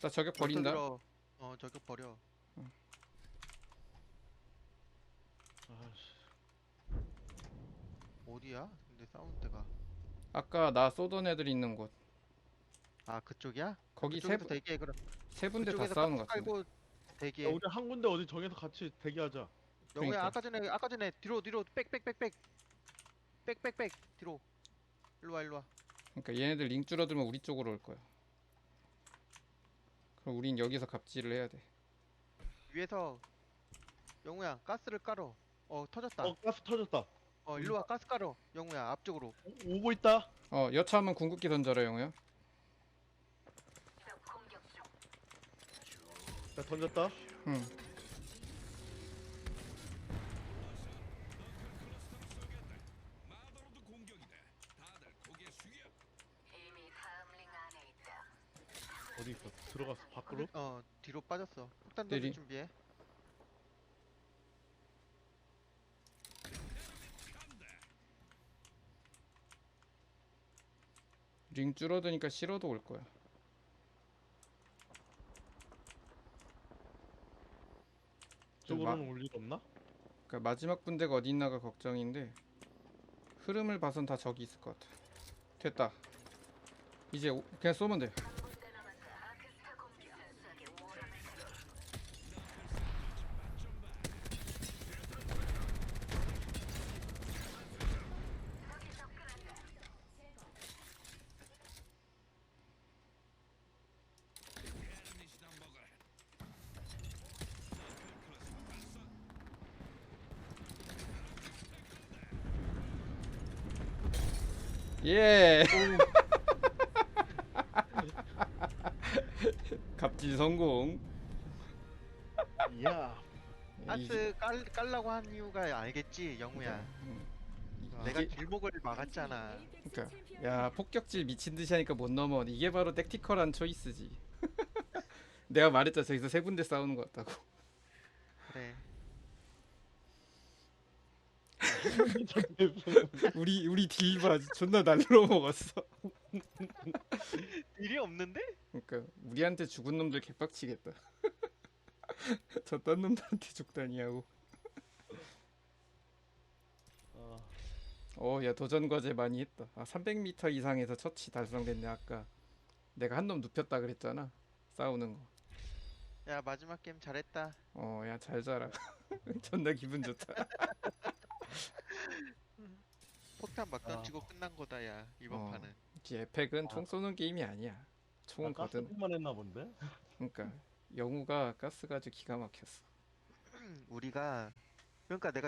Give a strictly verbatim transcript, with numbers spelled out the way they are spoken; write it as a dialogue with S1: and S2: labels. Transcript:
S1: 나 저격 버린다.
S2: 들어. 어 저격 버려.
S3: 아씨.
S2: 어디야? 근데 사운드가.
S1: 아까 나 쏘던 애들 있는 곳.
S2: 아 그쪽이야?
S1: 거기 세,
S2: 그쪽에서
S1: 분-
S2: 대기해 그럼.
S1: 세 군데 다
S2: 그쪽에서
S1: 싸우는
S2: 가스
S1: 것 같은데.
S2: 깔고
S3: 야,
S2: 대기해.
S3: 우리 한 군데 어디 정해서 같이 대기하자.
S2: 영우야
S1: 그러니까.
S2: 아까 전에 아까 전에 뒤로 뒤로 빽빽빽빽 빽빽빽 뒤로. 일로 와 일로 와.
S1: 그러니까 얘네들 링 줄어들면 우리 쪽으로 올 거야. 그럼 우린 여기서 갑질을 해야 돼.
S2: 위에서 영우야 가스를 깔어. 어 터졌다.
S3: 어,
S2: 어,
S3: 가스 터졌다.
S2: 일로 와 가스 깔어. 영우야 앞쪽으로.
S3: 오, 오고 있다.
S1: 어, 여차하면 궁극기 던져라, 영우야.
S3: 자, 던졌다.
S1: 응.
S3: 어디 있어? 들어갔어. 밖으로?
S2: 어 뒤로 빠졌어. 폭탄
S1: 내리.
S2: 던질 준비해.
S1: 링 줄어드니까 싫어도 올 거야.
S3: 쪽으로는 올 일 없나?
S1: 그러니까 마지막 분대가 어디 있나가 걱정인데 흐름을 봐선 다 저기 있을 것 같아. 됐다. 이제 오- 그냥 쏘면 돼. 예. 갑질 성공.
S3: 이야.
S1: 이게-
S2: 가스 깔 깔라고 한 이유가 알겠지 영우야.
S1: 음,
S2: 내가
S1: 이게
S2: 길목을 막았잖아.
S1: 그러니까 야 폭격질 미친 듯이 하니까 못 넘어. 이게 바로 택티컬한 초이스지. 내가 말했잖아 저기서 세 군데 싸우는 것 같다고.
S2: 그래.
S1: 우리 우리 딜바 존나 날로 먹었어.
S2: 일이 없는데?
S1: 그러니까 우리한테 죽은 놈들 개빡치겠다. 저딴 놈들한테 죽다니 하고.
S3: 아,
S1: 어, 야 도전 과제 많이 했다. 아, 삼백 미터 이상에서 처치 달성됐네. 아까 내가 한 놈 눕혔다 그랬잖아. 싸우는 거.
S2: 야 마지막 게임 잘했다.
S1: 어, 야 잘 자라. 존나 기분 좋다.
S2: 폭탄 막
S3: 아.
S2: 던지고 끝난 거다 야 이번
S1: 어.
S2: 판은.
S1: 이 에펙은
S3: 아.
S1: 총 쏘는 게임이 아니야. 총은
S3: 나
S1: 거든.
S3: 가스만 했나 본데?
S1: 그러니까 영우가 가스 가지고 기가 막혔어.
S2: 우리가 그러니까 내가